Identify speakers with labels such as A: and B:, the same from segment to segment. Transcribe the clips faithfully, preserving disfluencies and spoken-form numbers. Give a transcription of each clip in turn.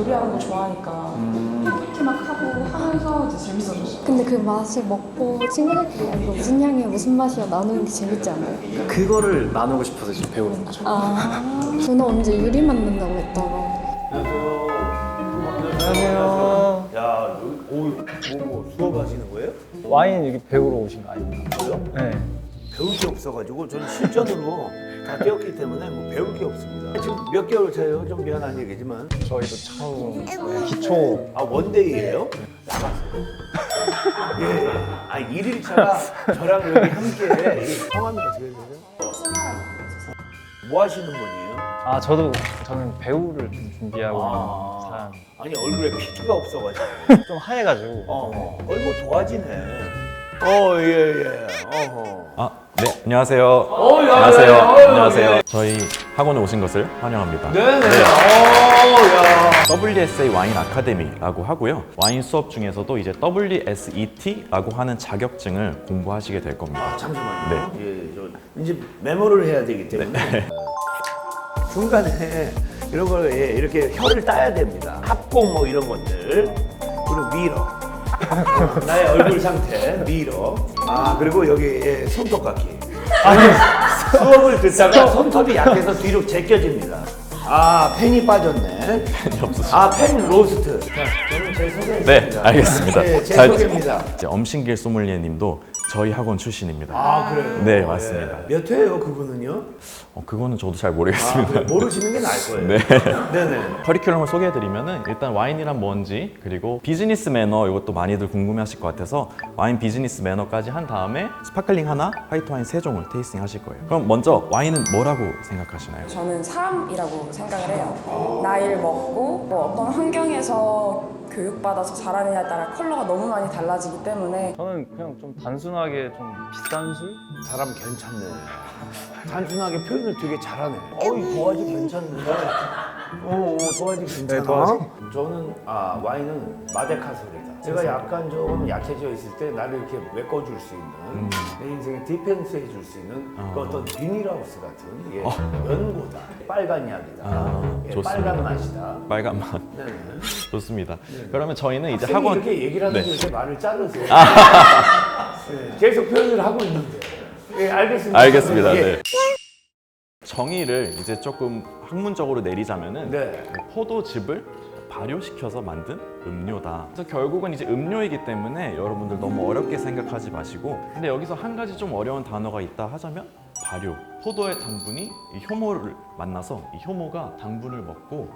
A: 요리하는 거 좋아하니까
B: 음.
A: 이렇게 막 하고 하면서 이제 재밌어졌어요.
C: 근데 그 맛을 먹고 친구들끼리 아, 이거 무슨 향이야 무슨 맛이야 나누는 게 재밌지 않아요?
B: 그거를 나누고 싶어서 지금 배우는 거죠.
C: 아 저는 언제 유리 만든다고 했다가
D: 안녕하세요.
E: 야, 여기, 오, 뭐, 뭐 수업하시는 거예요?
D: 와인 여기 배우러 오신 거 아닙니까?
E: 저요?
D: 네.
E: 배울 게 없어가지고 저는 실전으로 다 뛰었기 때문에 뭐 배울 게 없습니다. 지금 몇 개월 차예요? 좀 미안한 얘기지만.
D: 저희도 처음 네, 기초
E: 아, 원데이예요? 나가세요. 예. 아, 일 일 차가 저랑 여기 함께 이 성함이 어떻게 되세요? 뭐 하시는 분이에요?
D: 아 저도 저는 배우를 좀 준비하고
E: 아.
D: 있는 사람.
E: 아니, 얼굴에 피부가 없어가지고.
D: 좀 하얘가지고.
E: 어, 거의 뭐 도화지네. 어, 예, 예. 어허.
F: 아, 네, 안녕하세요. 안녕하세요. 안녕하세요. 저희 학원에 오신 것을 환영합니다.
E: 네네. 어, 야.
F: 더블유 에스 에이 와인 아카데미라고 하고요. 와인 수업 중에서도 이제 더블유 에스 이 티라고 하는 자격증을 공부하시게 될 겁니다.
E: 잠시만요. 예, 저 이제 메모를 해야 되기 때문에 중간에 이런 걸 예, 이렇게 혀를 따야 됩니다. 합공 뭐 이런 것들 그리고 미러 나의 얼굴 상태 미러 아 그리고 여기 예, 손톱깎이 수업을 듣다가 손톱이 약해서 뒤로 제껴집니다. 아 펜이 빠졌네.
F: 펜이 없으시죠?
E: 아 펜 로스트. 자, 저는 제 소개입니다.
F: 네, 알겠습니다.
E: 네, 제
F: 잘-
E: 소개입니다.
F: 이제 엄신길 소믈리에님도 저희 학원 출신입니다.
E: 아 그래요?
F: 네, 맞습니다.
E: 예. 몇 회예요 그분은요?
F: 어, 그거는 저도 잘
E: 아,
F: 모르겠습니다.
E: 그래, 모르시는 게 나을 거예요.
F: 네.
E: 네네.
F: 커리큘럼을 소개해드리면은 일단 와인이란 뭔지 그리고 비즈니스 매너 이것도 많이들 궁금해하실 것 같아서 와인 비즈니스 매너까지 한 다음에 스파클링 하나, 화이트 와인 세 종을 테이스팅 하실 거예요. 그럼 먼저 와인은 뭐라고 생각하시나요?
A: 저는 사람이라고 생각을 해요. 나이를 먹고 뭐 어떤 환경에서 교육받아서 자라느냐에 따라 컬러가 너무 많이 달라지기 때문에
D: 저는 그냥 좀 단순하게 좀 비싼 술?
E: 사람 괜찮네. 단순하게 표현을 되게 잘하네. 어이 도화지 괜찮네. 어, 어 도화지 괜찮아.
D: 네, 도화지.
E: 저는 아 와인은 마데카솔이다. 제가 약간 조금 약해져 있을 때 나를 이렇게 메꿔줄 수 있는
F: 음.
E: 내 인생에 디펜스 해줄 수 있는
F: 어.
E: 그 어떤 비닐하우스 같은 예, 연고다. 빨간 약이다.
F: 아,
E: 예,
F: 좋습니다.
E: 빨간 맛이다.
F: 빨간 맛.
E: 네네.
F: 좋습니다. 그러면 저희는 이제
E: 학생이
F: 학원
E: 이렇게 얘기를 하는데
F: 네.
E: 이렇게 말을 자르세요. 네, 계속 표현을 하고 있는데. 예, 알겠습니다.
F: 알겠습니다.
E: 예.
F: 네. 정의를 이제 조금 학문적으로 내리자면은
E: 네.
F: 포도즙을 발효시켜서 만든 음료다. 그래서 결국은 이제 음료이기 때문에 여러분들 너무 어렵게 생각하지 마시고 근데 여기서 한 가지 좀 어려운 단어가 있다 하자면 발효. 포도의 당분이 이 효모를 만나서 이 효모가 당분을 먹고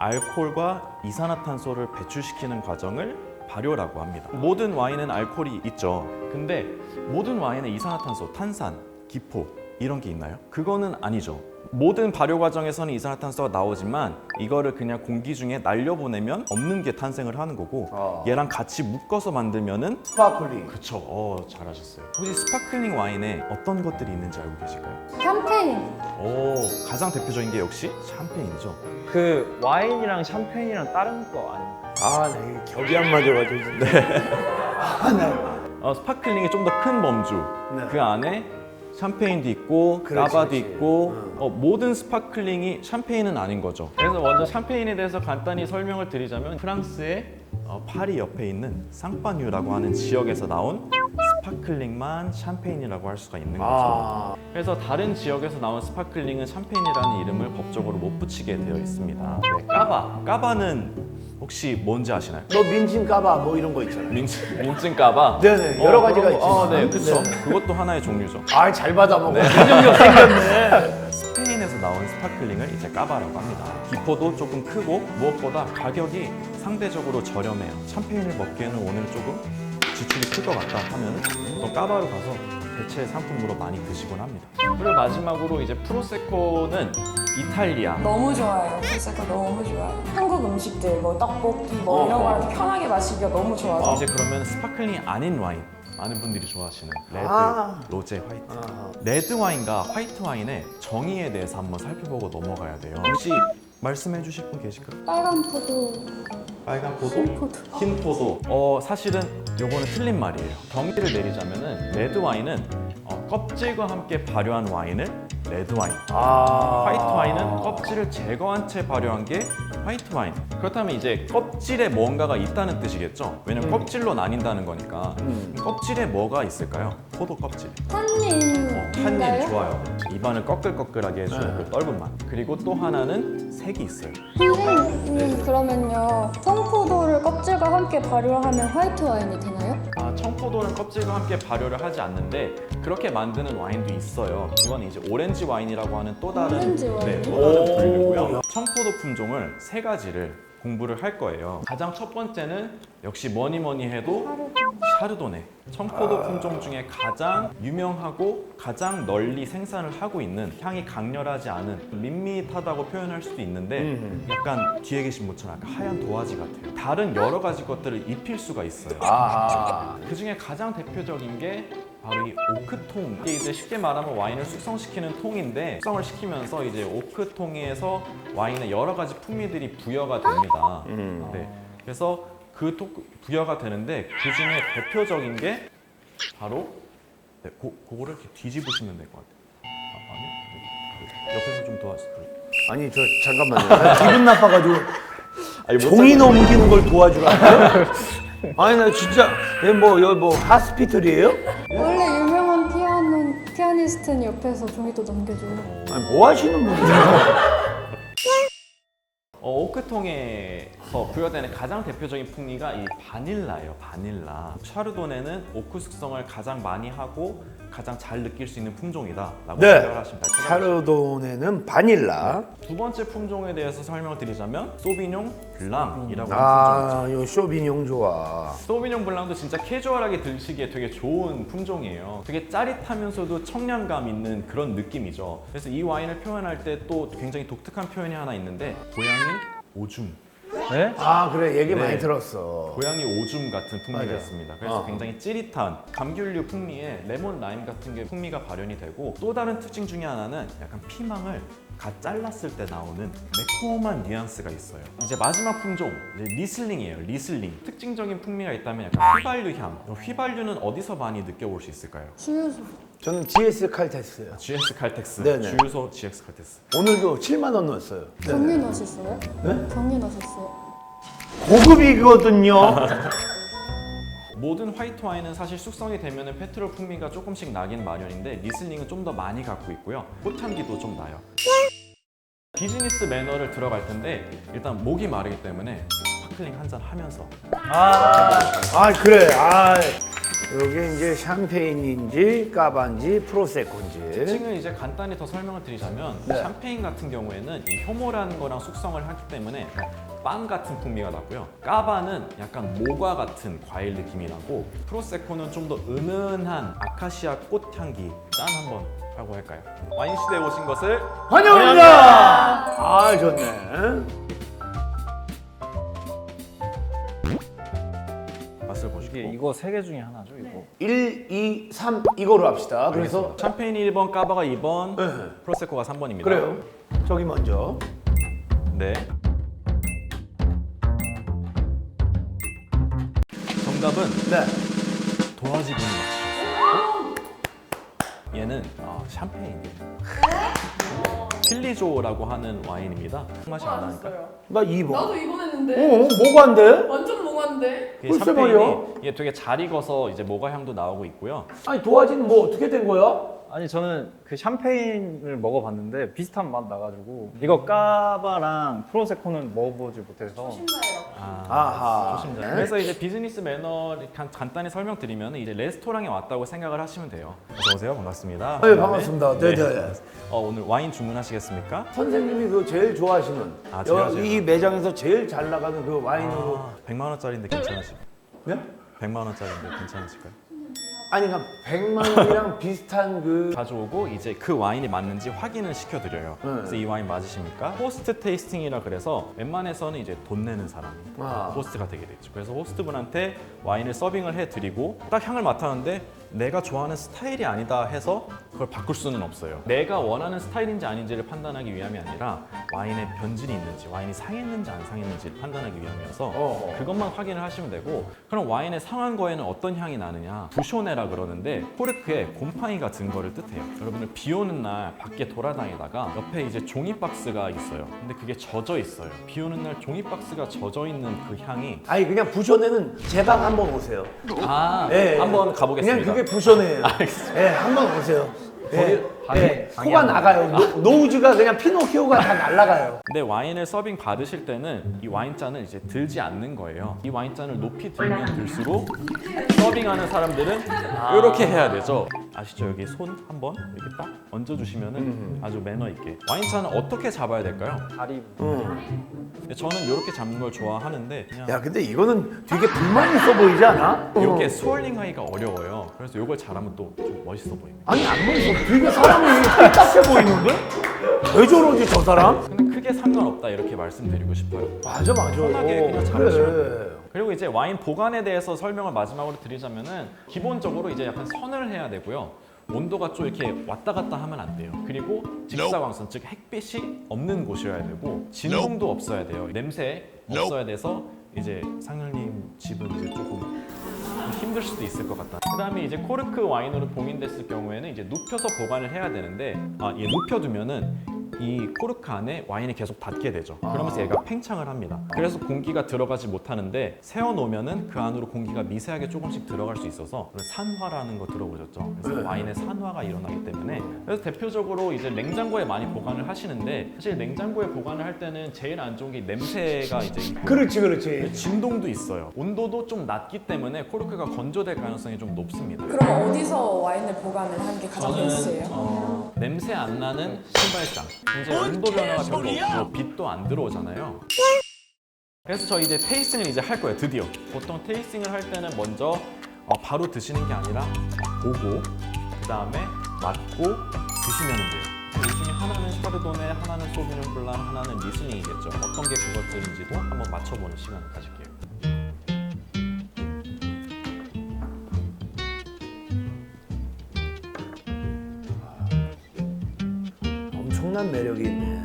F: 알코올과 이산화탄소를 배출시키는 과정을 발효라고 합니다. 모든 와인은 알코올이 있죠. 근데 모든 와인에 이산화탄소, 탄산, 기포 이런 게 있나요? 그거는 아니죠. 모든 발효 과정에서는 이산화탄소가 나오지만 이거를 그냥 공기 중에 날려보내면 없는 게 탄생을 하는 거고
E: 아.
F: 얘랑 같이 묶어서 만들면은
E: 스파클링.
F: 그쵸. 어, 잘하셨어요. 혹시 스파클링 와인에 어떤 것들이 있는지 알고 계실까요?
C: 샴페인
F: 오, 가장 대표적인 게 역시 샴페인이죠.
D: 그 와인이랑 샴페인이랑 다른 거 아닙니까?
E: 아, 나 이게 겹이 안 맞아가지고. 네. 아, 나.
F: 어, 스파클링이 좀 더 큰 범주.
E: 네.
F: 그 안에 샴페인도 있고
E: 그렇지,
F: 까바도
E: 그렇지.
F: 있고
E: 응.
F: 어, 모든 스파클링이 샴페인은 아닌 거죠. 그래서 먼저 샴페인에 대해서 간단히 설명을 드리자면 프랑스의 어, 파리 옆에 있는 쌍파뉴라고 하는 지역에서 나온 스파클링만 샴페인이라고 할 수가 있는 거죠.
E: 아.
F: 그래서 다른 지역에서 나온 스파클링은 샴페인이라는 이름을 법적으로 못 붙이게 되어 있습니다. 네, 까바. 까바는 혹시 뭔지 아시나요?
E: 너 민진 까봐 뭐 이런 거 있잖아.
F: 민, 민증 까바?
E: 네네, 여러 가지가
F: 그런 거-
E: 있지만.
F: 어, 네, 그렇죠.
E: 네.
F: 그것도 하나의 종류죠.
E: 아, 잘 받아먹어. 기능력 생겼네.
F: 스페인에서 나온 스파클링을 이제 까바라고 합니다. 기포도 조금 크고 무엇보다 가격이 상대적으로 저렴해요. 샴페인을 먹기에는 오늘 조금 지출이 클 것 같다 하면 또 까바로 가서 대체 상품으로 많이 드시곤 합니다. 그리고 마지막으로 이제 프로세코는 이탈리아.
A: 너무 좋아요. 프로세코 너무 좋아요. 한국 음식들 뭐 떡볶이 뭐
E: 어,
A: 이런
E: 어.
A: 거랑 편하게 마시기가 너무 좋아서
F: 이제 그러면 스파클링이 아닌 와인 많은 분들이 좋아하시는 레드,
E: 아.
F: 로제, 화이트.
E: 아.
F: 레드 와인과 화이트 와인의 정의에 대해서 한번 살펴보고 넘어가야 돼요. 혹시 말씀해 주실 분 계실까요?
C: 빨간 포도
F: 빨간 포도?
C: 흰 포도
F: 흰 포도. 어 사실은 요거는 틀린 말이에요. 정의를 내리자면은 레드 와인은 어, 껍질과 함께 발효한 와인을 레드 와인.
E: 아.
F: 화이트 와인은 껍질을 제거한 채 발효한 게 화이트 와인. 그렇다면 이제 껍질에 뭔가가 있다는 뜻이겠죠? 왜냐면 껍질로 나뉜다는 거니까.
E: 음.
F: 껍질에 뭐가 있을까요? 포도 껍질.
C: 탄닌인가요?
F: 탄닌 좋아요. 입안을 꺼끌꺼끌하게 해주는
E: 네.
F: 그 떫은 맛. 그리고 또 하나는 색이 있어요.
C: 선생님 그러면요 청포도를 껍질과 함께 발효하면 화이트 와인이 되나요?
F: 아, 청포도는 껍질과 함께 발효를 하지 않는데 그렇게 만드는 와인도 있어요. 이건 이제 오렌지 와인이라고 하는 또 다른
C: 오렌지 와인?
F: 네, 또 다른
E: 오.
F: 분류고요. 청포도 품종을 세 가지를 공부를 할 거예요. 가장 첫 번째는 역시 뭐니 뭐니 해도 샤르도네. 청포도 품종 중에 가장 유명하고 가장 널리 생산을 하고 있는 향이 강렬하지 않은 밋밋하다고 표현할 수도 있는데
E: 음.
F: 약간 뒤에 계신 분처럼 약간 하얀 도화지 같아요. 다른 여러 가지 것들을 입힐 수가 있어요.
E: 아.
F: 그 중에 가장 대표적인 게 바로 이 오크통. 이게 이제 쉽게 말하면 와인을 숙성시키는 통인데 숙성을 시키면서 이제 오크통에서 와인에 여러 가지 풍미들이 부여가 됩니다.
E: 음.
F: 네. 그래서 그 통, 부여가 되는데 그 중에 대표적인 게 바로 네, 고, 그거를 이렇게 뒤집으시면 될 것 같아요. 아, 아니요? 네. 옆에서 좀 도와주세요.
E: 아니 저 잠깐만요. 나 기분 나빠가지고
F: 아니, 못
E: 종이
F: 찾아-
E: 넘기는 걸 도와주라고요? 아니 나 진짜 얘 뭐 여기 뭐 하스피털이에요?
C: 원래 유명한 피아노, 피아니스트는 옆에서 종이도 넘겨줘요.
E: 아니 뭐 하시는 분이세요?
F: 어, 오크통에서 부여되는 가장 대표적인 풍미가 이 바닐라예요. 바닐라. 샤르도네는 오크 숙성을 가장 많이 하고 가장 잘 느낄 수 있는 품종이다라고
E: 네.
F: 생각을 하시면 돼요.
E: 샤르도네는 바닐라.
F: 두 번째 품종에 대해서 설명을 드리자면 소비뇽 블랑이라고 하는 품종이죠.
E: 아, 요 쇼비뇽 좋아.
F: 소비뇽 블랑도 진짜 캐주얼하게 드시기에 되게 좋은 품종이에요. 되게 짜릿하면서도 청량감 있는 그런 느낌이죠. 그래서 이 와인을 표현할 때 또 굉장히 독특한 표현이 하나 있는데 고양이 오줌.
D: 네?
E: 아 그래 얘기
F: 네.
E: 많이 들었어.
F: 고양이 오줌 같은 풍미가
E: 맞아요.
F: 있습니다. 그래서
E: 어.
F: 굉장히 찌릿한 감귤류 풍미에 레몬 라임 같은 게 풍미가 발현이 되고 또 다른 특징 중에 하나는 약간 피망을 갓 잘랐을 때 나오는 매콤한 뉘앙스가 있어요. 이제 마지막 품종 이제 리슬링이에요. 리슬링. 특징적인 풍미가 있다면 약간 휘발유 향. 휘발유는 어디서 많이 느껴볼 수 있을까요?
C: 주유소.
E: 저는 지에스 칼테스요.
F: 지엑스 칼텍스,
E: 네네.
F: 주유소 지엑스 칼텍스.
E: 오늘도 칠만 원 넣었어요.
C: 경유 넣으셨어요?
E: 네?
C: 경유 넣으셨어요?
E: 고급이거든요.
F: 모든 화이트 와인은 사실 숙성이 되면 페트롤 풍미가 조금씩 나긴 마련인데 리슬링은 좀 더 많이 갖고 있고요. 꽃향기도 좀 나요. 비즈니스 매너를 들어갈 텐데 일단 목이 마르기 때문에 스파클링 한 잔 하면서
E: 아 그래. 아 여기 이제 샴페인인지 까반지 프로세코인지.
F: 특징을 이제 간단히 더 설명을 드리자면
E: 네.
F: 샴페인 같은 경우에는 이 효모라는 거랑 숙성을 하기 때문에 약간 빵 같은 풍미가 나고요. 까바는 약간 모과 같은 과일 느낌이 나고 프로세코는 좀 더 은은한 아카시아 꽃 향기. 짠 한번 하고 할까요? 와인 시대에 오신 것을
E: 환영합니다. 아 좋네.
F: 맛을 보시고
D: 이게 이거 세 개 중에 하나죠, 이거.
E: 일, 이, 삼 이거로 합시다. 그래서
F: 샴페인이 일 번, 까바가 이 번,
E: 네.
F: 프로세코가 삼 번입니다.
E: 그래요. 저기 먼저.
F: 네. 정답은
E: 네.
F: 도화지 분이 맞추셨어요. 얘는 아, 샴페인이에요. 필리조라고 하는 와인입니다. 맛이 안 나니까.
E: 나 이 번.
A: 나도 이번 했는데
E: 어, 뭐가 안 돼?
A: 완전 몽환데.
F: 이게
E: 글쎄
F: 샴페인이
E: 말이야.
F: 이게 되게 잘 익어서 이제 모과 향도 나오고 있고요.
E: 아니 도화지는 뭐 어떻게 된 거야?
D: 아니 저는 그 샴페인을 먹어봤는데 비슷한 맛 나가지고 이거 까바랑 프로세코는 먹어보지 못해서
F: 아,
E: 아하.
F: 조심자.
E: 네.
F: 그래서 이제 비즈니스 매너 간, 간단히 설명드리면 이제 레스토랑에 왔다고 생각을 하시면 돼요. 어서 오세요. 반갑습니다.
E: 네, 반갑습니다. 네, 네.
F: 어, 오늘 와인 주문하시겠습니까?
E: 선생님이 그 제일 좋아하시는
F: 아, 제가
E: 여-
F: 제가.
E: 이 매장에서 제일 잘 나가는 그 와인으로.
F: 아, 백만 원짜리인데 괜찮으실까요?
E: 네?
F: 백만 원짜리인데 괜찮으실까요?
E: 아니 그러니까 백만 원이랑 비슷한 그
F: 가져오고 이제 그 와인이 맞는지 확인을 시켜드려요.
E: 네.
F: 그래서 이 와인 맞으십니까? 호스트 테이스팅이라 그래서 웬만해서는 이제 돈 내는 사람이
E: 아.
F: 호스트가 되게 되죠. 그래서 호스트분한테 와인을 서빙을 해드리고 딱 향을 맡았는데 내가 좋아하는 스타일이 아니다 해서 그걸 바꿀 수는 없어요. 내가 원하는 스타일인지 아닌지를 판단하기 위함이 아니라 와인에 변질이 있는지, 와인이 상했는지 안 상했는지를 판단하기 위함이어서
E: 어허.
F: 그것만 확인을 하시면 되고, 그럼 와인의 상한 거에는 어떤 향이 나느냐? 부쇼네라 그러는데 코르크에 곰팡이가 든 거를 뜻해요. 여러분들 비 오는 날 밖에 돌아다니다가 옆에 이제 종이 박스가 있어요. 근데 그게 젖어 있어요. 비 오는 날 종이 박스가 젖어 있는 그 향이
E: 아니 그냥 부쇼네는 제 방 한번 오세요.
F: 아,
E: 예, 예.
F: 한번 가보겠습니다.
E: 그냥 그게 부쇼네예요.
F: 알겠습니다.
E: 예, 한번 오세요. 예,
D: 방에-
E: 예,
D: 방에
E: 코가
D: 한번
E: 나가요. 노, 노우즈가 그냥 피노키오가 다 날아가요.
F: 근데 와인을 서빙 받으실 때는 이 와인잔을 이제 들지 않는 거예요. 이 와인잔을 높이 들면 들수록 서빙하는 사람들은 이렇게 해야 되죠. 아시죠? 여기 손 한번 이렇게 딱 얹어주시면은 아주 매너 있게. 와인잔을 어떻게 잡아야 될까요?
D: 다리
E: 응.
F: 근데 저는 이렇게 잡는 걸 좋아하는데 그냥
E: 야, 근데 이거는 되게 불만 있어 보이지 않아?
F: 이게 스월링 하기가 어려워요. 그래서 이걸 잘하면 또 좀 멋있어 보입니다.
E: 아니 안 멋있어. 되게 사람이 똑같아 보이는데? 왜 저러지 저 사람?
F: 근데 크게 상관없다 이렇게 말씀드리고 싶어요.
E: 맞아 맞아.
F: 편하게 그냥 잘하시면 돼요.
E: 그래.
F: 그리고 이제 와인 보관에 대해서 설명을 마지막으로 드리자면은 기본적으로 이제 약간 선을 해야 되고요. 온도가 좀 이렇게 왔다 갔다 하면 안 돼요. 그리고 직사광선, 즉 햇빛이 없는 곳이어야 되고 진동도 없어야 돼요. 냄새 없어야 돼서 이제 상현님 집은 이제 조금 좀 힘들 수도 있을 것 같다. 그다음에 이제 코르크 와인으로 봉인됐을 경우에는 이제 눕혀서 보관을 해야 되는데, 아, 예, 눕혀두면은 이 코르크 안에 와인이 계속 닿게 되죠. 그러면서 얘가 팽창을 합니다. 그래서 공기가 들어가지 못하는데 세워놓으면은 그 안으로 공기가 미세하게 조금씩 들어갈 수 있어서 산화라는 거 들어보셨죠? 그래서 와인의 산화가 일어나기 때문에, 그래서 대표적으로 이제 냉장고에 많이 보관을 하시는데, 사실 냉장고에 보관을 할 때는 제일 안 좋은 게 냄새가 이제 있고
E: 그렇지 그렇지.
F: 진동도 있어요. 온도도 좀 낮기 때문에 코르크가 건조될 가능성이 좀 높습니다.
A: 그럼 어디서 와인을 보관을 하는 게 가장
F: 저는
A: 베스트예요?
F: 어, 냄새 안 나는 신발장. 이제 온도 변화가 별로 없고 빛도 안 들어오잖아요. 그래서 저 이제 테이스팅을 이제 할 거예요. 드디어. 보통 테이스팅을 할 때는 먼저 어, 바로 드시는 게 아니라 보고 그 다음에 맡고 드시면 돼요. 이 중에 하나는 샤르도네, 하나는 소비뇽 블랑, 하나는 리슬링이겠죠. 어떤 게 그것들인지도 한번 맞춰보는 시간을 가질게요.
E: 엄청난 매력이 있네.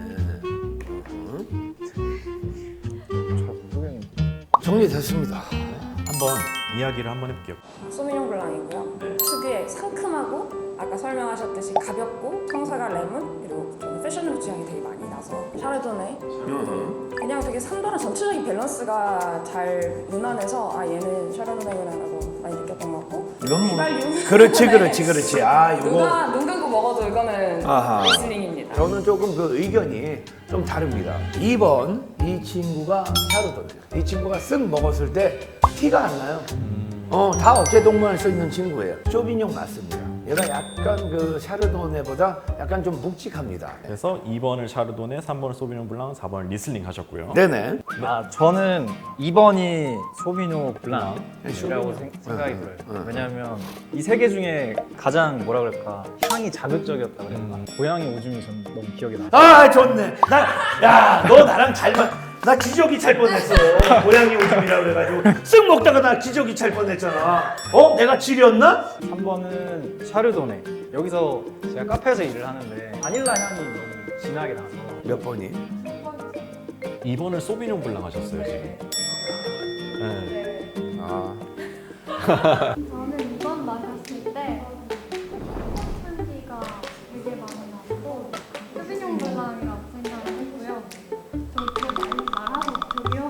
D: 잘 모르겠는데.
E: 정리됐습니다.
F: 한번 이야기를 한번 해볼게요.
A: 소미뇽 블랑이고요. 특유의 상큼하고 아까 설명하셨듯이 가볍고 청사과 레몬 그리고 좀 패셔너블 취향이 되게 많이 나서 샤르도네 그냥 되게 산도랑 전체적인 밸런스가 잘 무난해서 아 얘는 샤르도네구나라고 많이 느꼈던 것 같고
E: 이건 뭐
A: 휘발유.
E: 그렇지 그렇지 그렇지. 아 이거
A: 누가 눈 감고 먹어도 이거는
E: 아하.
A: 리슬링입니다.
E: 저는 조금 그 의견이 좀 다릅니다. 이 번 이 친구가 샤르도네. 이 친구가 쓱 먹었을 때 티가 안 나요. 어, 다 어깨동무할 수 있는 친구예요. 쇼비뇽 맞습니다. 얘가 약간 그 샤르도네보다 약간 좀 묵직합니다.
F: 그래서 이 번을 샤르도네, 삼 번을 소비뇽 블랑, 사 번을 리슬링 하셨고요.
E: 네네.
D: 아 저는 이 번이 소비뇽 블랑이라고
E: 소비뇽.
D: 생- 생각이
E: 응,
D: 들어요.
E: 응.
D: 왜냐하면 이 세 개 중에 가장 뭐라 그럴까 향이 자극적이었다 그래야 되나. 고양이 오줌이 전 너무 기억에 나.
E: 아 좋네. 나, 야, 너 나랑 잘 맞. 나 기저귀 찰 뻔했어. 고양이 오줌이라 그래가지고 쓱 먹다가 나 기저귀 찰 뻔했잖아. 어? 내가 지렸나?
D: 삼 번은 샤르도네. 여기서 제가 카페에서 일을 하는데 바닐라 향이 너무 진하게 나서
E: 몇 번이?
F: 이 번을 소비뇽 블랑 하셨어요, 지금. 네.
E: 아.
C: 저는 이번 마셨을 때 향기가 되게 많이 났고 소비뇽 블랑이라고 생각을 했고요. 저렇게 말하고 있고요.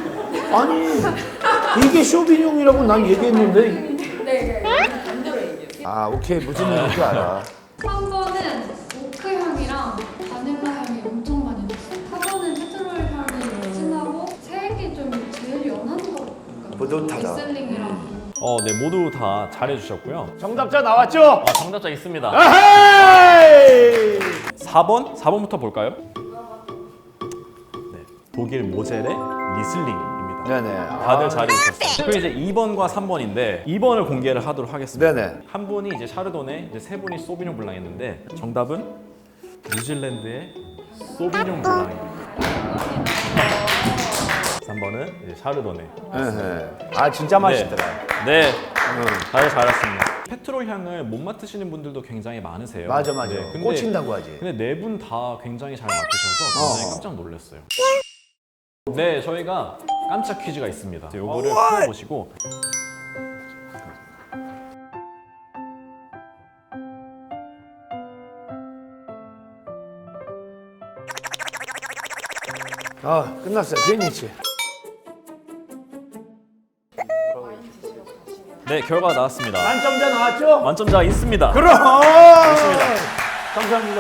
E: 아니 이게 쇼비뇽이라고 난 얘기했는데.
A: 네, 반대로 얘기해요.
E: 아 오케이 무슨 얘기인지 알아.
C: 삼 번은 오크 향이랑 바닐라 향이 엄청 많이 났어요. 사 번은 페트롤 향이 진하고 색이 좀 제일 연한 것 같아요.
E: 뿌듯하다.
C: 리슬링이랑.
F: 어, 네, 모두 다 잘해주셨고요.
E: 정답자 나왔죠?
F: 어, 정답자 있습니다.
E: 아하이!
F: 사 번? 사 번부터 볼까요? 네, 독일 모젤의 리슬링입니다.
E: 네네.
F: 다들 잘해주셨어요. 그리고 이제 이 번과 삼 번인데 이 번을 공개를 하도록 하겠습니다.
E: 네네.
F: 한 분이 이제 샤르도네, 이제 세 분이 소비뇽 블랑했는데 정답은 뉴질랜드의 소비뇽 블랑입니다. 삼 번은 이제 샤르도네.
E: 에헤. 아 진짜 맛있더라.
F: 네. 네. 잘 잘했습니다. 페트롤 향을 못 맡으시는 분들도 굉장히 많으세요.
E: 맞아 맞아.
F: 네, 근데,
E: 꽂힌다고 하지.
F: 근데 네 분 다 굉장히 잘 맡으셔서 굉장히
E: 어.
F: 깜짝 놀랐어요. 네, 저희가 깜짝 퀴즈가 있습니다. 요거를
E: 어이!
F: 풀어보시고
E: 아 끝났어요. 피니치.
F: 네, 결과가 나왔습니다.
E: 만점자 나왔죠?
F: 만점자가 있습니다.
E: 그럼. 감사합니다.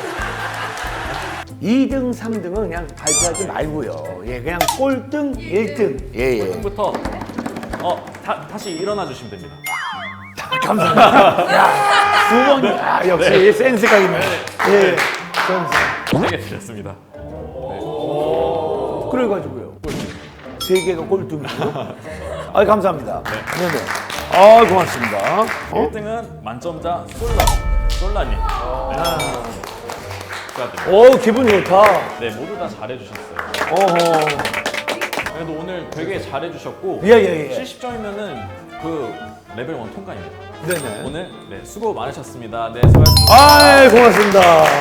E: 이 등, 삼 등은 그냥 발표하지 말고요. 예, 그냥 꼴등, 일 등. 예, 예.
F: 부터 어 다, 다시 일어나 주시면 됩니다.
E: 감사합니다. 야, 두 번, 아, 역시
F: 네.
E: 센스가 있네. 예, 센스.
F: 세개 드렸습니다.
E: 그래가지고요. 세 개가 꼴등이요? 아, 감사합니다. 네, 네. 아, 고맙습니다. 어?
F: 일 등은 만점자 솔라 솔라님. 네. 축하드립니다.
E: 오, 기분 좋다.
F: 네, 모두 다 잘해주셨어요.
E: 어허.
F: 그래도 오늘 되게 잘해주셨고
E: 예, 예, 예.
F: 칠십 점이면은 그 레벨 일 통과입니다.
E: 네네.
F: 오늘 네, 수고 많으셨습니다. 네, 수고하셨습니다.
E: 아, 고맙습니다.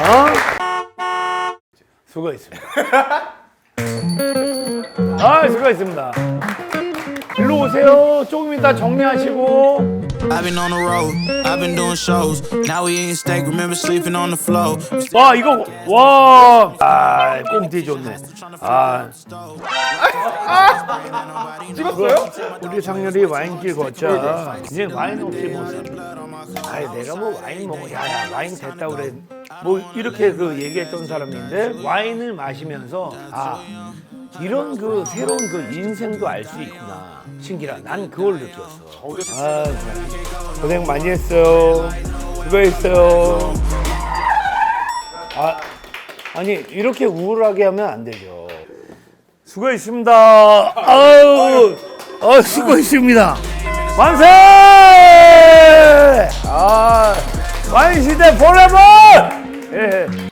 E: 수고했습니다. 아, 수고했습니다. 일로 오세요. 조금 이따 정리하시고.
G: I've been on the road, I've been doing shows. Now we eating steak, remember sleeping on the floor.
E: 와, 이거, 와. 아, 꽁티 좋네. 아. 찍었어요? 우리 상렬이 와인길 걷자. 이제 와인 없이 못 사. 아이, 내가 뭐 와인 먹어. 야, 야, 와인 됐다 그래. 뭐 이렇게 그 얘기했던 사람인데 와인을 마시면서 아, 이런 그 새로운 그 인생도 알 수 있구나. 신기라. 난 그걸 느꼈어. 아, 참. 고생 많이 했어요. 수고했어요. 아, 아니 이렇게 우울하게 하면 안 되죠. 수고했습니다. 아유, 아, 수고했습니다. 만세! 아, 와인 시대 포레버! 예.